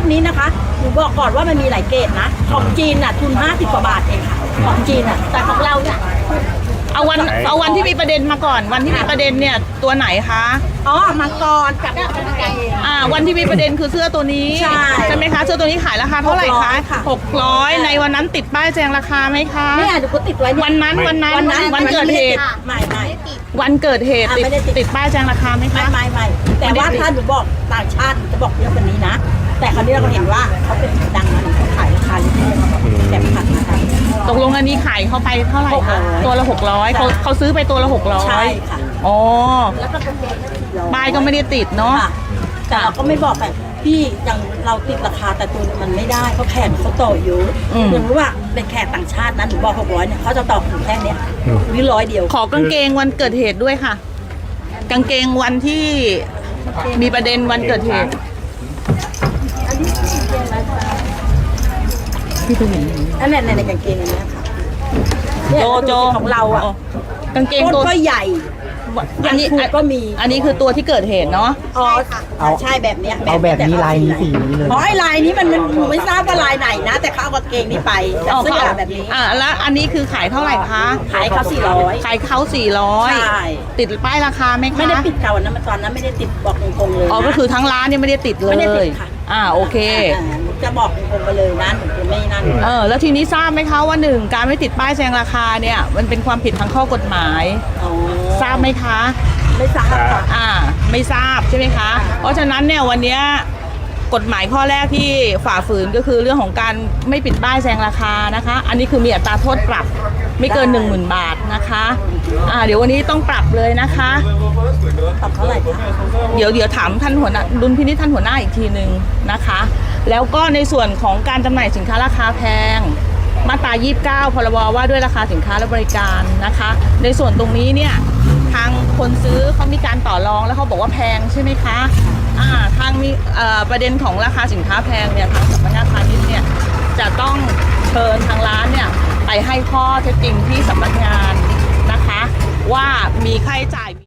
กนี้นะคะหนูบอกก่อนว่ามันมีหลายเกรดนะของจีนน่ะทุน50 กว่าบาทเองค่ะของจีนน่ะแต่ของเราเนี่ยเอาวันที่มีประเด็นมาก่อน วันที่มีประเด็นเนี่ยตัวไหนคะอ๋อมังกรกับวันที่มีประเด็นคือเสื้อตัวนี้ใช่ไหมคะเสื้อตัวนี้ขายราคาเท่าไหร่คะ600ในวันนั้นติดป้ายแจ้งราคาไหมคะนี่อาจจะติดไว้วันนั้นวันเกิดเหตุไม่วันเกิดเหตุติดป้ายแจ้งราคาไหมคะไม่แต่ว่าถ้าหนูบอกต่างชาติจะบอกเยอะกว่านี้นะแต่คราวนี้เราเห็นว่าเขาเป็นดังมันเขาขายราคาลิเท่แต่ผัดนะคะตกลงอันนี้ขายเขาไปเท่าไหร่คะตัวละ600เขาซื้อไปตัวละ600 ใช่ค่ะอ๋อแล้วก็ป้ายก็ไม่ได้ติดเนาะแต่เราก็ไม่บอกแบบพี่อย่างเราติดราคาแต่ตัวมันไม่ได้เขาแข่งเขาต่ออยู่อย่างรู้ว่าเป็นแขกต่างชาตินั้นหนูบอก600เนี่ยเขาจะต่อถึงแค่เนี้ยนี่100 เดียวขอกางเกงวันเกิดเหตุด้วยค่ะกางเกงวันที่มีประเด็นวันเกิดเหตุพี่ตัวเห็นอันนี้ในกางเกงอันนี้ค่ะโจของเราอ่ะกางเกงตัวก็ใหญ่อันนี้ก็มีอันนี้คือตัวที่เกิดเหตุเนาะอ๋อใช่แบบนี้เอาแบบนี้ลายนี้สีนี้เลยอ๋อไอ้ลายนี้มันไม่ทราบว่าลายไหนนะแต่เขาเอากางเกงนี้ไปเสื้อแบบนี้แล้วอันนี้คือขายเท่าไหร่คะขายเขา400 ขายเขา400 ใช่ติดป้ายราคาไหมคะไม่ได้ติดเขานะตอนนั้นไม่ได้ติดบอกตรงๆเลยอ๋อก็คือทั้งร้านเนี่ยไม่ได้ติดเลยไม่ได้ติดค่ะโอเคจะบอกตรงๆไปเลยนะหนูไม่นั่นแล้วทีนี้ทราบไหมคะว่า1การไม่ติดป้ายแสดงราคาเนี่ยมันเป็นความผิดทางข้อกฎหมายทราบไหมคะไม่ทราบค่ะไม่ทราบใช่ไหมคะเพราะฉะนั้นเนี่ยวันนี้กฎหมายข้อแรกที่ฝ่าฝืนก็คือเรื่องของการไม่ปิดป้ายแสดงราคานะคะอันนี้คือมีอัตราโทษปรับไม่เกิน 10,000 บาทนะคะเดี๋ยววันนี้ต้องปรับเลยนะคะปรับเท่าไหร่คะเดี๋ยวถามท่านหัวหน้าดุลพินิจท่านหัวหน้าอีกทีนึงนะคะแล้วก็ในส่วนของการจำหน่ายสินค้าราคาแพงมาตรา29พรบว่าด้วยราคาสินค้าและบริการนะคะในส่วนตรงนี้เนี่ยทางคนซื้อเขามีการต่อรองแล้วเขาบอกว่าแพงใช่ไหมคะทางมีประเด็นของราคาสินค้าแพงเนี่ยทางสำนักงานพาณิชย์เนี่ยจะต้องเชิญทางร้านเนี่ยไปให้ข้อเท็จจริงที่สำนักงานนะคะว่ามีค่าใช้จ่าย